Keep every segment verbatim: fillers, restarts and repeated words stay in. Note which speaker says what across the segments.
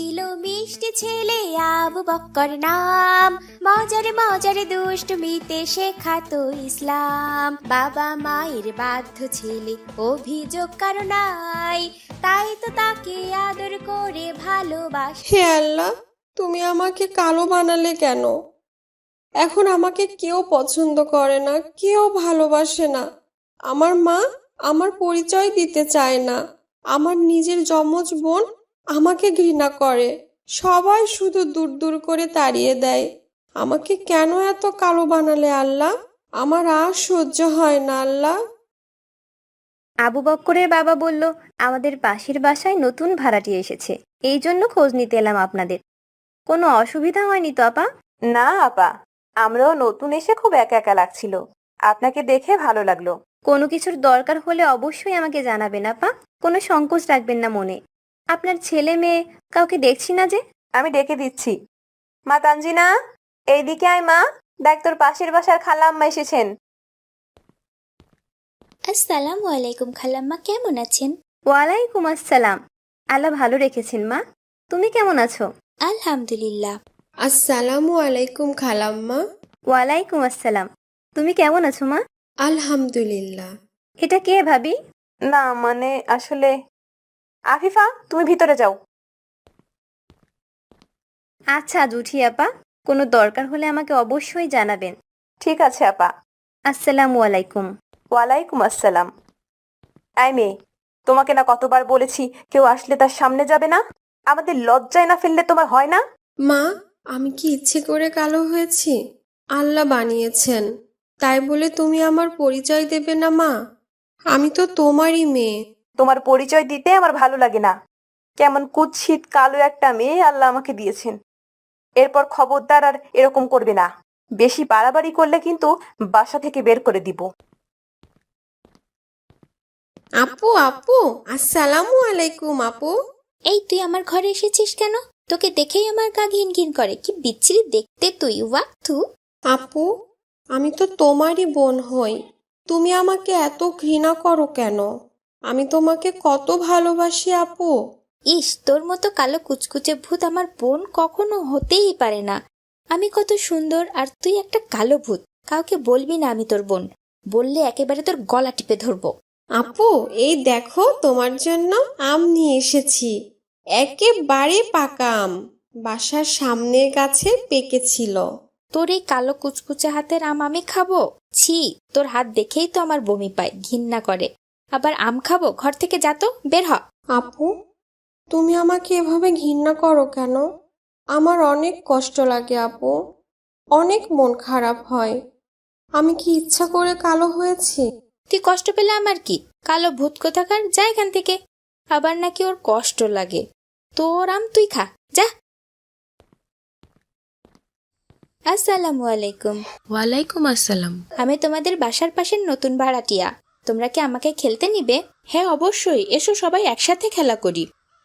Speaker 1: ছিল মিষ্টি ছেলে আবু বক্কর নাম, মজারে মজারে দুষ্টমিতে শেখাতো ইসলাম। বাবা মায়ের বাধ্য ছেলে, অভিযোগ কারো নাই, তাই তো তাকে আদর করে ভালোবাসে।
Speaker 2: হে আল্লাহ, তুমি আমাকে কালো বানালে কেন? এখন আমাকে কেউ পছন্দ করে না, কেউ ভালোবাসে না। আমার মা আমার পরিচয় দিতে চায় না। আমার নিজের যমজ বোন আমাকে ঘৃণা করে। সবাই শুধু দূর দূর করে তাড়িয়ে দেয়। আমাকে কেন এত কালো বানালে আল্লাহ? আমার আর সহ্য হয় না আল্লাহ।
Speaker 3: আবু বক্করের বাবা বলল, আমাদের পাশের বাসায় নতুন ভাড়াটি এসেছে, এই জন্য খোঁজ নিতে এলাম আপনাদের। কোনো অসুবিধা হয়নি তো আপা?
Speaker 4: না আপা, আমরাও নতুন এসে খুব একা একা লাগছিল, আপনাকে দেখে ভালো লাগলো।
Speaker 3: কোনো কিছুর দরকার হলে অবশ্যই আমাকে জানাবেন আপা, কোনো সংকোচ রাখবেন না মনে। আপনার ছেলে মেয়ে কাউকে দেখছি না যে।
Speaker 4: আমি ডেকে দিচ্ছি। মা তানজিনা, এইদিকে আয় মা, দেখ তোর পাশের বাসার খালাম্মা এসেছেন।
Speaker 1: আসসালামু আলাইকুম খালাম্মা, কেমন আছেন?
Speaker 3: ওয়ালাইকুম আসসালাম। আল্লাহ ভালো রেখেছেন মা, তুমি কেমন আছো?
Speaker 1: আলহামদুলিল্লাহ।
Speaker 2: আসসালামু আলাইকুম খালাম্মা।
Speaker 3: ওয়ালাইকুম আসসালাম। তুমি কেমন আছো মা?
Speaker 2: আলহামদুলিল্লাহ।
Speaker 3: এটা কে ভাবি?
Speaker 4: না মানে আসলে, আফিফা তুমি ভিতরে যাও।
Speaker 3: আচ্ছা জুঠি আপা, কোনো দরকার হলে আমাকে অবশ্যই জানাবেন।
Speaker 4: ঠিক আছে আপা।
Speaker 3: আসসালামু আলাইকুম।
Speaker 4: ওয়ালাইকুম আসসালাম। আই মেয়ে, তোমাকে না কতবার বলেছি কেউ আসলে তার সামনে যাবে না? আমাদের লজ্জায় না ফেললে তোমার হয় না?
Speaker 2: মা, আমি কি ইচ্ছে করে কালো হয়েছি? আল্লাহ বানিয়েছেন, তাই বলে তুমি আমার পরিচয় দেবে না মা? আমি তো তোমারই মেয়ে।
Speaker 4: তোমার পরিচয় দিতে আমার ভালো লাগে না। কেমন কুৎসিত কালো একটা মেয়ে আল্লাহ আমাকে দিয়েছেন। এরপর খবরদার আর এরকম করবে না। বেশি বাড়াবাড়ি করলে কিন্তু বাসা থেকে বের করে দিব।
Speaker 2: আপু আপু আসসালামু আলাইকুম আপু।
Speaker 1: এই তুই আমার ঘরে এসেছিস কেন? তোকে দেখেই আমার গা ঘিন ঘিন করে। কি বিচ্ছিরি দেখতে তুই, ওয়াক্তু।
Speaker 2: আপু, আমি তো তোমারই বোন হই। তুমি আমাকে এত ঘৃণা করো কেন? আমি তোমাকে কত ভালোবাসি আপু।
Speaker 1: ইস, তোর মতো কালো কুচকুচে ভূত আমার বোন কখনো হতেই পারে না। আমি কত সুন্দর আর তুই একটা কালো ভূত। কাউকে বলবি না আমি তোর বোন, বললে একেবারে তোর গলা টিপে ধরবো।
Speaker 2: আপু, এই দেখো তোমার জন্য আম নিয়ে এসেছি। একেবারে পাকা আম, বাসার সামনের গাছে পেকেছিল।
Speaker 1: তোর এই কালো কুচকুচে হাতের আম আমি খাবো? ছি, তোর হাত দেখেই তো আমার বমি পায়, ঘৃণা করে। আবার আম খাবো? ঘর থেকে যা তো, বের হ।
Speaker 2: আপু, তুমি আমাকে এভাবে ঘৃণা করো কেন? আমার অনেক কষ্ট লাগে আপু, অনেক মন খারাপ হয়। আমি কি ইচ্ছা করে কালো হয়েছি?
Speaker 1: তুই কষ্ট পেলে আমার কি? কালো ভূত কোথাকার, যা এখান থেকে। আবার নাকি ওর কষ্ট লাগে। তোর আম তুই খা, যা। আসসালামু আলাইকুম।
Speaker 5: ওয়ালাইকুম আসসালাম।
Speaker 1: আমি তোমাদের বাসার পাশের নতুন ভাড়াটিয়া। তোমরা কি আমাকে খেলতে নিবে? হ্যাঁ অবশ্যই, এসো সবাই একসাথে খেলা করি।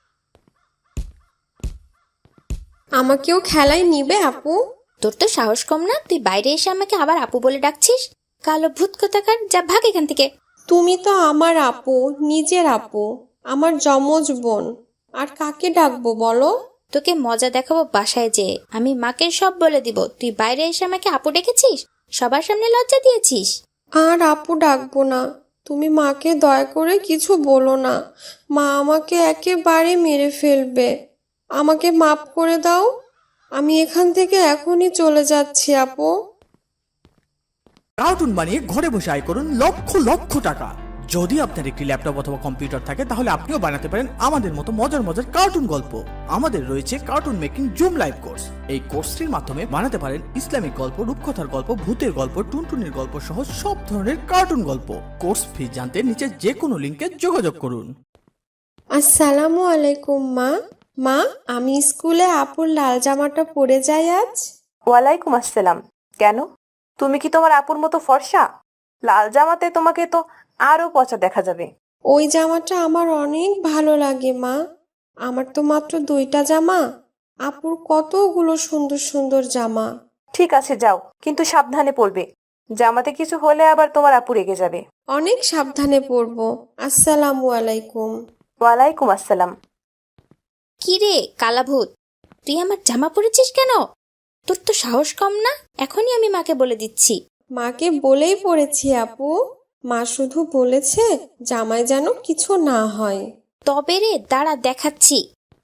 Speaker 2: আমাকেও খেলায় নিবে আপু?
Speaker 1: তোর তো সাহস কম না, তুই বাইরে এসে আমাকে আবার আপু বলে ডাকছিস? কালো ভূত কোথাকার, যা ভাগ এখান থেকে।
Speaker 2: তুমি তো আমার আপু, নিজের আপু, আমার যমজ বোন। আর কাকে ডাকবো বলো?
Speaker 1: তোকে মজা দেখাবো বাসায় যেয়ে। আমি মাকে সব বলে দিব তুই বাইরে এসে আমাকে আপু ডেকেছিস, সবার সামনে লজ্জা দিয়েছিস।
Speaker 2: আর আপু ডাকবো না। তুমি মাকে দয়া করে কিছু বলো না। মা আমাকে একেবারে মেরে ফেলবে। আমাকে মাফ করে দাও। আমি এখান থেকে এখনই চলে যাচ্ছি আপু।
Speaker 6: কার্টুন বানিয়ে ঘরে বসে আয় করুন লক্ষ লক্ষ টাকা। যদি আপনার একটি ল্যাপটপ অথবা কম্পিউটার থাকে তাহলে আপনিও বানাতে পারেন আমাদের মতো মজার মজার কার্টুন গল্প। আমাদের রয়েছে cartoon making zoom live course. এই কোর্সটির মাধ্যমে বানাতে পারেন ইসলামিক গল্প, রূপকথার গল্প, ভূতের গল্প, টুনটুনির গল্প সহ সব ধরনের কার্টুন গল্প। কোর্স ফি জানতে নিচে যে কোনো লিংকে যোগাযোগ করুন।
Speaker 2: আসসালামু আলাইকুম মা। মা, আমি স্কুলে আপুর লাল জামাটা পরে যাই আজ?
Speaker 4: ওয়ালাইকুম আসসালাম। কেন, তুমি কি তোমার আপুর মতো ফর্সা? লাল জামাতে তোমাকে তো আরো পচা দেখা যাবে।
Speaker 2: ওই জামাটা আমার অনেক ভালো লাগে মা। আমার তো মাত্র দুইটা জামা, আপুর কতগুলো সুন্দর সুন্দর জামা।
Speaker 4: ঠিক আছে যাও, কিন্তু সাবধানে পড়বে। জামাতে কিছু হলে আবার তোমার আপু রেগে যাবে।
Speaker 2: অনেক সাবধানে পরবো। আসসালামু আলাইকুম।
Speaker 4: ওয়ালাইকুম আসসালাম।
Speaker 1: কি রে কালাভূত, তুই আমার জামা পরেছিস কেন? তোর তো সাহস কম না? এখনই আমি মাকে বলে দিচ্ছি।
Speaker 2: মাকে বলেই পড়েছি আপু। মা শুধু বলেছে জামাই যেন কিছু না হয়।
Speaker 1: তবে রে দাঁড়া দেখাচ্ছি।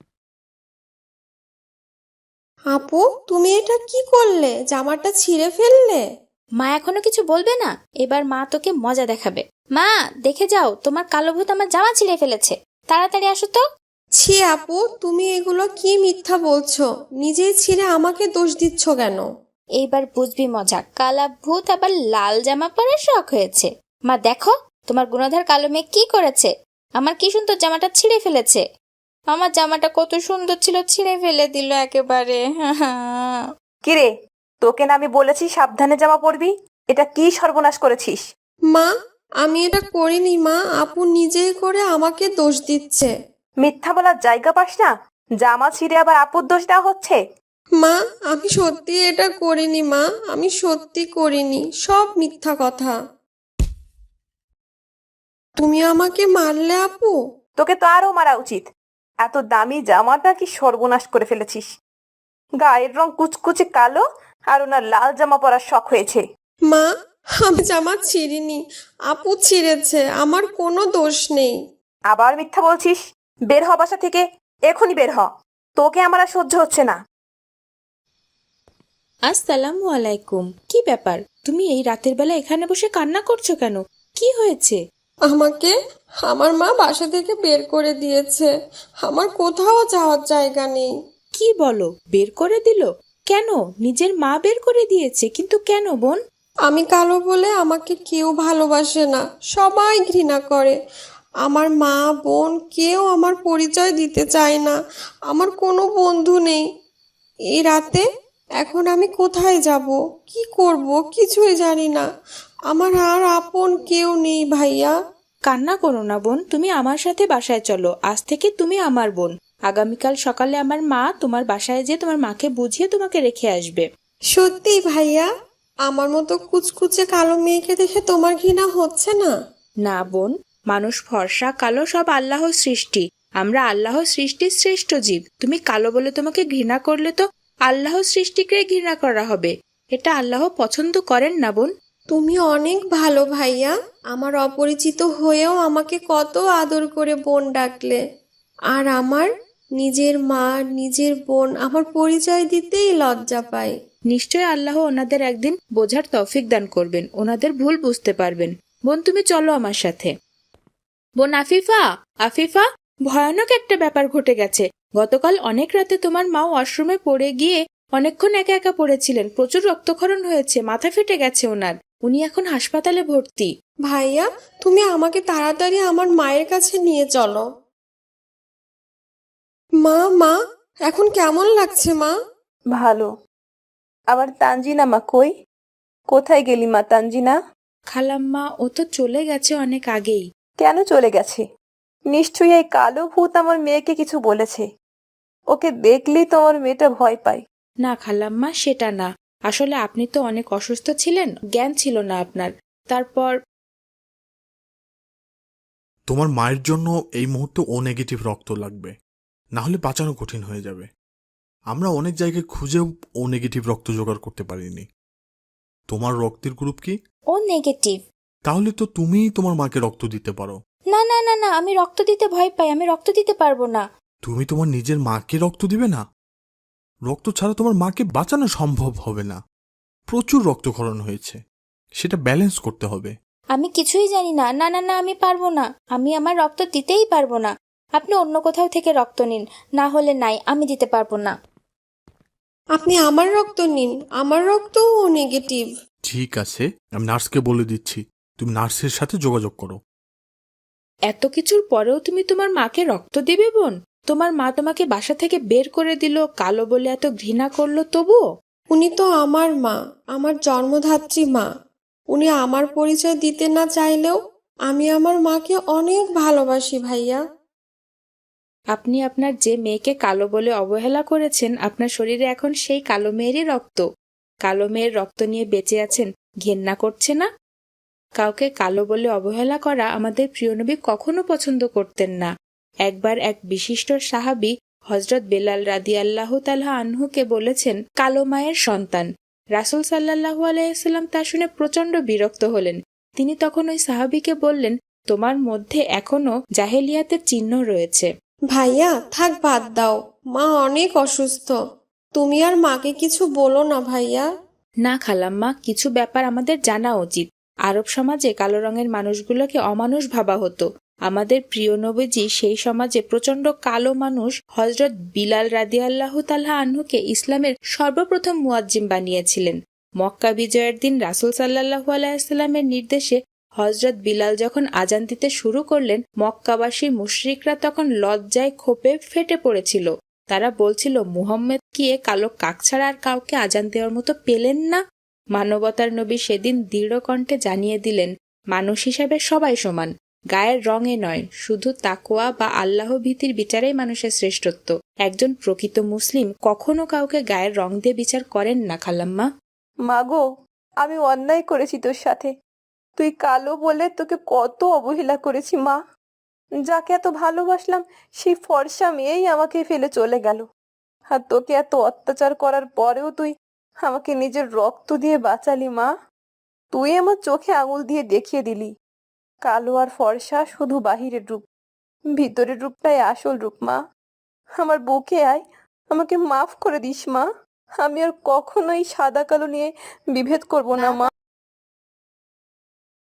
Speaker 2: আপু, তুমি এটা কি করলে? জামাটা ছিঁড়ে ফেললে।
Speaker 1: মা এখনো কিছু বলবে না, এবার মা তোকে মজা দেখাবে। মা দেখে যাও, তোমার কালো ভূত আমার জামা ছিঁড়ে ফেলেছে, তাড়াতাড়ি আসো তো।
Speaker 2: ছি আপু, তুমি এগুলো কি মিথ্যা বলছো? নিজেই ছিঁড়ে আমাকে দোষ দিচ্ছ কেন?
Speaker 1: এইবার বুঝবি মজা, কালা ভূত আবার লাল জামা পরার শখ হয়েছে। মা দেখো, তোমার গুণধর কালো মেয়ে কি করেছে, আমার কি সুন্দর জামাটা ছিঁড়ে ফেলেছে। আমার জামাটা কত সুন্দর ছিল, ছিঁড়ে ফেলে দিল একেবারে।
Speaker 4: কিরে, তোকে না আমি বলেছি সাবধানে জামা পরবি? এটা কি সর্বনাশ করেছিস?
Speaker 2: মা, আমি এটা করিনি মা। আপু নিজেই করে আমাকে দোষ দিচ্ছে।
Speaker 4: মিথ্যা বলার জায়গা পাস না? জামা ছিঁড়ে আবার আপুর দোষ দেওয়া হচ্ছে।
Speaker 2: মা, আমি সত্যি এটা করিনি মা। আমি সত্যি করিনি, সব মিথ্যা কথা। তুমি আমাকে মারলে আপু?
Speaker 4: তোকে তো আরো মারা উচিত। এত দামি জামাটা কি সর্বনাশ করে ফেলেছিস। গায়ের রং কুচকুচে কালো, আর ওনার লাল জামা পরার শখ হয়েছে।
Speaker 2: মা, আমি জামা ছিঁড়িনি, আপু ছিঁড়েছে, আমার কোনো দোষ নেই।
Speaker 4: আবার মিথ্যা বলছিস? বের হ বাসা থেকে, এখনই বের হ। তোকে আমার আর সহ্য হচ্ছে না।
Speaker 5: আসসালামু আলাইকুম। কি ব্যাপার, তুমি এই রাতের বেলা এখানে বসে কান্না করছো কেন? কি হয়েছে?
Speaker 2: আমাকে আমার মা বাসা থেকে বের করে দিয়েছে। আমার কোথাও যাওয়ার জায়গা নেই।
Speaker 5: কি বলো, বের করে দিল? কেন? নিজের মা বের করে দিয়েছে, কিন্তু কেন বোন?
Speaker 2: আমি কালো বলে আমাকে কেউ ভালোবাসে না, সবাই ঘৃণা করে। আমার মা বোন কেউ আমার পরিচয় দিতে চায় না। আমার কোনো বন্ধু নেই। এই রাতে এখন আমি কোথায় যাব, কি করব, কিছুই জানি না। আমার আর আপন কেউ নেই ভাইয়া।
Speaker 5: কান্না করো না বোন, তুমি আমার সাথে বাসায় চলো। আজ থেকে তুমি আমার বোন। আগামীকাল সকালে আমার মা তোমার বাসায় যেয়ে তোমার মাকে বুঝিয়ে তোমাকে রেখে আসবে।
Speaker 2: সত্যি ভাইয়া? আমার মতো কুচকুচে কালো মেয়েকে দেখে তোমার ঘৃণা হচ্ছে না?
Speaker 5: না বোন, মানুষ ফর্সা কালো সব আল্লাহর সৃষ্টি। আমরা আল্লাহর সৃষ্টির শ্রেষ্ঠ জীব। তুমি কালো বলে তোমাকে ঘৃণা করলে তো আল্লাহর সৃষ্টিকে ঘৃণা করা হবে। এটা আল্লাহ পছন্দ করেন না বোন।
Speaker 2: তুমি অনেক ভালো ভাইয়া। আমার অপরিচিত হয়েও আমাকে কত আদর করে বোন ডাকলে। আর আমার নিজের মা নিজের বোন আমার পরিচয় দিতেই লজ্জা পায়।
Speaker 5: নিশ্চয় আল্লাহ ওনাদের একদিন বোঝার তৌফিক দান করবেন, ওনাদের ভুল বুঝতে পারবেন। বোন তুমি চলো আমার সাথে। বোন আফিফা, আফিফা, ভয়ানক একটা ব্যাপার ঘটে গেছে। গতকাল অনেক রাতে তোমার মা ওয়াশরুমে পড়ে গিয়ে অনেকক্ষণ একা একা পড়েছিলেন। প্রচুর রক্তক্ষরণ হয়েছে, মাথা ফেটে গেছে ওনার। উনি এখন হাসপাতালে ভর্তি।
Speaker 2: ভাইয়া, তুমি আমাকে তাড়াতাড়ি আমার মায়ের কাছে নিয়ে চলো। মা, মা, এখন কেমন লাগছে মা?
Speaker 4: ভালো। আবার তানজিনা মা কই? কোথায় গেলি মা তানজিনা?
Speaker 5: খালাম্মা, ও তো চলে গেছে অনেক আগেই।
Speaker 4: কেন চলে গেছে? নিশ্চয়ই এই কালো ভূত আমার মেয়েকে কিছু বলেছে। ওকে দেখলেই তো আমার মেয়েটা ভয় পায়।
Speaker 5: না খালাম্মা, সেটা না। আসলে আপনি তো অনেক অসুস্থ ছিলেন, জ্ঞান ছিল না আপনার। তারপর
Speaker 7: তোমার মায়ের জন্য এই মুহূর্তে ও নেগেটিভ রক্ত লাগবে, না হলে বাঁচানো কঠিন হয়ে যাবে। আমরা অনেক জায়গায় খুঁজেও ও নেগেটিভ রক্ত জোগাড় করতে পারিনি। তোমার রক্তের গ্রুপ কি?
Speaker 1: O negative.
Speaker 7: তাহলে তো তুমিই তোমার মাকে রক্ত দিতে পারো।
Speaker 1: না না না না, আমি রক্ত দিতে ভয় পাই, আমি রক্ত দিতে পারবো না।
Speaker 7: তুমি তোমার নিজের মাকে রক্ত দিবে না? রক্ত ছাড়া তোমার মাকে বাঁচানো সম্ভব হবে না। প্রচুর রক্তক্ষরণ হয়েছে, সেটা ব্যালেন্স করতে হবে।
Speaker 1: আমি কিছুই জানি না। না না না, আমি পারবো না। আমি আমার রক্ত দিতেই পারবো না। আপনি অন্য কোথাও থেকে রক্ত নিন, না হলে নাই, আমি দিতে পারবো না।
Speaker 2: আপনি আমার রক্ত নিন, আমার রক্তও ও নেগেটিভ।
Speaker 7: ঠিক আছে, আমি নার্সকে বলে দিচ্ছি, তুমি নার্সের সাথে যোগাযোগ করো।
Speaker 5: এত কিছুর পরেও তুমি তোমার মাকে রক্ত দিবে বোন? তোমার মা তোমাকে বাসা থেকে বের করে দিল, কালো বলে এত ঘৃণা করলো, তবুও?
Speaker 2: উনি তো আমার মা, আমার জন্মধাত্রী মা। উনি আমার পরিচয় দিতে না চাইলেও আমি আমার মাকে অনেক ভালোবাসি ভাইয়া।
Speaker 5: আপনি আপনার যে মেয়েকে কালো বলে অবহেলা করেছেন, আপনার শরীরে এখন সেই কালো মেয়েরই রক্ত। কালো মেয়ের রক্ত নিয়ে বেঁচে আছেন, ঘেন্না করছে না? কাউকে কালো বলে অবহেলা করা আমাদের প্রিয় নবী কখনো পছন্দ করতেন না। একবার এক বিশিষ্ট সাহাবী হজরত বেলাল রাদিয়াল্লাহু তাআলা আনহুকে বলেছেন কালো মায়ের সন্তান। রাসূল সাল্লাল্লাহু আলাইহি সাল্লাম তা শুনে প্রচন্ড বিরক্ত হলেন। তিনি তখন ওই সাহাবীকে বললেন, তোমার মধ্যে এখনো জাহেলিয়াতের চিহ্ন রয়েছে।
Speaker 2: ভাইয়া থাক, বাদ দাও, মা অনেক অসুস্থ। তুমি আর মাকে কিছু বলো না ভাইয়া।
Speaker 5: না খালাম্মা, কিছু ব্যাপার আমাদের জানা উচিত। আরব সমাজে কালো রঙের মানুষগুলোকে অমানুষ ভাবা হতো। আমাদের প্রিয় নবীজি সেই সমাজে প্রচন্ড কালো মানুষ হজরত বিলাল রাদিয়াল্লাহু তাআলা আনহুকে ইসলামের সর্বপ্রথম মুয়াজ্জিম বানিয়েছিলেন। মক্কা বিজয়ের দিন রাসূল সাল্লাল্লাহু আলাইহি সাল্লামের নির্দেশে হজরত বিলাল যখন আজান দিতে শুরু করলেন, মক্কাবাসী মুশরিকরা তখন লজ্জায় ক্ষোভে ফেটে পড়েছিল। তারা বলছিল, মুহাম্মদ কি এ কালো কাক ছাড়া আর কাউকে আজান দেওয়ার মতো পেলেন না? মানবতার নবী সেদিন দৃঢ় কণ্ঠে জানিয়ে দিলেন, মানুষ হিসাবে সবাই সমান, গায়ের রঙে নয়, শুধু তাকওয়া বা আল্লাহ ভীতির বিচারেই মানুষের শ্রেষ্ঠত্ব। একজন প্রকৃত মুসলিম কখনো কাউকে গায়ের রং দিয়ে বিচার করেন না খালাম্মা।
Speaker 4: মাগো, আমি অন্যায় করেছি তোর সাথে। তুই কালো বলে তোকে কত অবহেলা করেছি মা। যাকে এত ভালোবাসলাম সেই ফর্সা মেয়েই আমাকে ফেলে চলে গেল। আর তোকে এত অত্যাচার করার পরেও তুই আমাকে নিজের রক্ত দিয়ে বাঁচালি মা। তুই আমার চোখে আঙুল দিয়ে দেখিয়ে দিলি, কালো আর ফর্সা শুধু বাহিরের রূপ, ভিতরের রূপটাই আসল রূপ মা। আমার বুকে আয়, আমাকে মাফ করে দিস মা। আমি আর কখনোই সাদা কালো নিয়ে বিভেদ করব না মা।